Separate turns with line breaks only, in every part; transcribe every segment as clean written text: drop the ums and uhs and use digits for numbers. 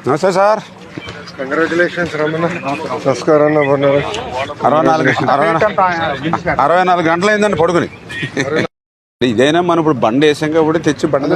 నమస్తే sir.
Congratulations Ramana. నమస్కారం.
64 గంటలు అయిందండి పడుకుని. ఇదైనా మనం ఇప్పుడు బండి వేసాం కాబట్టి తెచ్చి బండి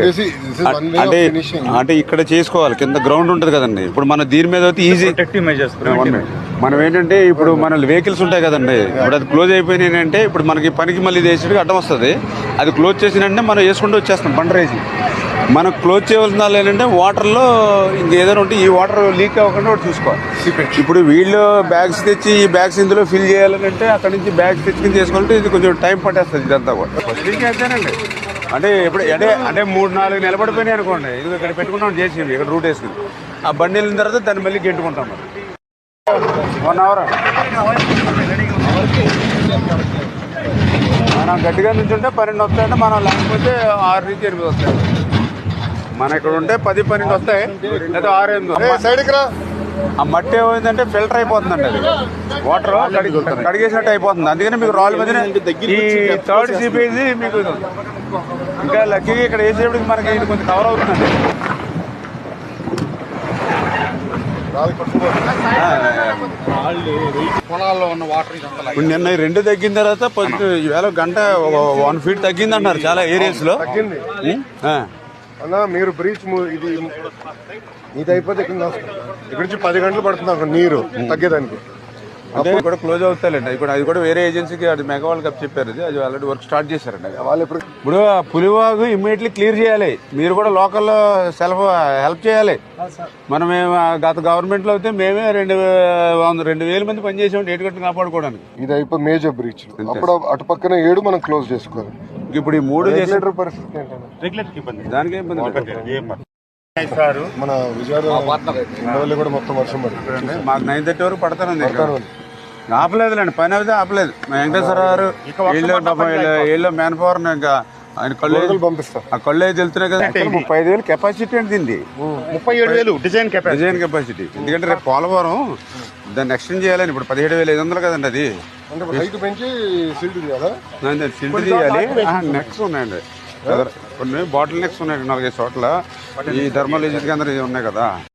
అంటే ఇక్కడ చేసుకోవాలి. కింద గ్రౌండ్ ఉంటుంది కదండి. ఇప్పుడు మన దీని మీద అయితే ఈజీ మనం ఏంటంటే ఇప్పుడు మన వెహికల్స్ ఉంటాయి కదండి. ఇప్పుడు అది క్లోజ్ అయిపోయినాయి అంటే ఇప్పుడు మనకి పనికి మళ్ళీ వేసేటికి అడ్డం వస్తుంది. అది క్లోజ్ చేసినంటే మనం వేసుకుంటూ వచ్చేస్తాం బండి రేసి. మనం క్లోజ్ చేయవలసిన వాళ్ళు ఏంటంటే వాటర్లో ఇంకేదైనా ఉంటే ఈ వాటర్ లీక్ అవ్వకుండా ఒకటి చూసుకోవాలి. ఇప్పుడు వీళ్ళు బ్యాగ్స్ తెచ్చి ఈ బ్యాగ్స్ ఇందులో ఫిల్ చేయాలని అంటే అక్కడ నుంచి బ్యాగ్స్ తెచ్చుకుని చేసుకోవాలంటే ఇది కొంచెం టైం పట్టేస్తుంది ఇదంతా కూడా. అంతేనండి. అంటే ఇప్పుడు అంటే 3-4 నిలబడిపోయినాయి అనుకోండి. ఇది ఇక్కడ పెట్టుకుంటాం చేసేవి ఇక్కడ రూట్ వేసుకుని ఆ బండి వెళ్ళిన తర్వాత దాన్ని మళ్ళీ గెంటుకుంటాం. మరి 1 అవర్ మనం గట్టిగా నుంచి ఉంటే 12 వస్తాయంటే మనం లేకపోతే 6 నుంచి 8 వస్తాయి. మన ఇక్కడ ఉంటే 10-12 వస్తాయి లేదా 6-8. ఆ మట్టి ఏమైందంటే ఫిల్టర్ అయిపోతుందండి. అది వాటర్ కడిగేసినట్టు అయిపోతుంది. అందుకని మీకు రాళ్ళ మధ్యన ఈ థర్డ్ సిపేసి మీకు ఇంకా లక్కీగా ఇక్కడ వేసేప్పటికి మనకి ఇది కొంచెం కవర్ అవుతుందండి.
పొలాల్లో ఉన్న వాటర్
నిన్న 2 తగ్గిన తర్వాత ఈవేళ గంట 1 ఫీట్ తగ్గింది అంటున్నారు చాలా ఏరియాస్ లో.
తగ్గింది అన్న. మీరు బ్రీచ్ ఇది అయిపోతే ఇక్కడ నుంచి 10 గంటలు పడుతుంది అక్కడ నీరు తగ్గేదానికి.
అంటే కూడా క్లోజ్ అవుతాయండి. అది కూడా వేరే ఏజెన్సీకి అది మెగా వాళ్ళు కప్ చెప్పారు. అది ఆల్రెడీ వర్క్ స్టార్ట్ చేశారండి. వాళ్ళు ఇప్పుడు పులివాగు ఇమ్మీడియట్లీ క్లియర్ చేయాలి. మీరు కూడా లోకల్లో హెల్ప్ చేయాలి. మనం గత గవర్నమెంట్ లో అయితే మేమే 2,000 మంది పనిచేసాం ఏటు కట్టు కాపాడుకోవడానికి.
ఇది అయిపోయి మేజర్ బ్రీచ్. అప్పుడు అటు పక్కన 7 మనం క్లోజ్ చేసుకోవాలి.
ఇప్పుడు ఈ 3
పరిస్థితి
దానికి ఇబ్బంది.
మన విజయవాడ కూడా మొత్తం వర్షం పడుతుంది.
మాకు 9:30 వరకు పడతానండి. ఆపలేదులేండి, పని అయితే ఆపలేదు. వెంకటేశ్వర గారు వీళ్ళు మ్యాన్ పవర్ ఇంకా ఆయన కళ్ళు
పంపిస్తారు.
ఆ కళ్ళు అయితే వెళ్తున్నాయి కదా. 35,000 కెపాసిటీ అంటే దీన్ని
37,000 డిజైన్
కెపాసిటీ. ఎందుకంటే రేపు పోలవరం దాన్ని ఎక్స్టెండ్ చేయాలని ఇప్పుడు 17,500 కదండి. అది సిల్ట్ తీయాలి. నెక్స్ ఉన్నాయండి, కొన్ని బాటిల్ నెక్స్ ఉన్నాయండి 4-5 చోట్ల. ఈ ధర్మల్ కేంద్రం ఉన్నాయి కదా.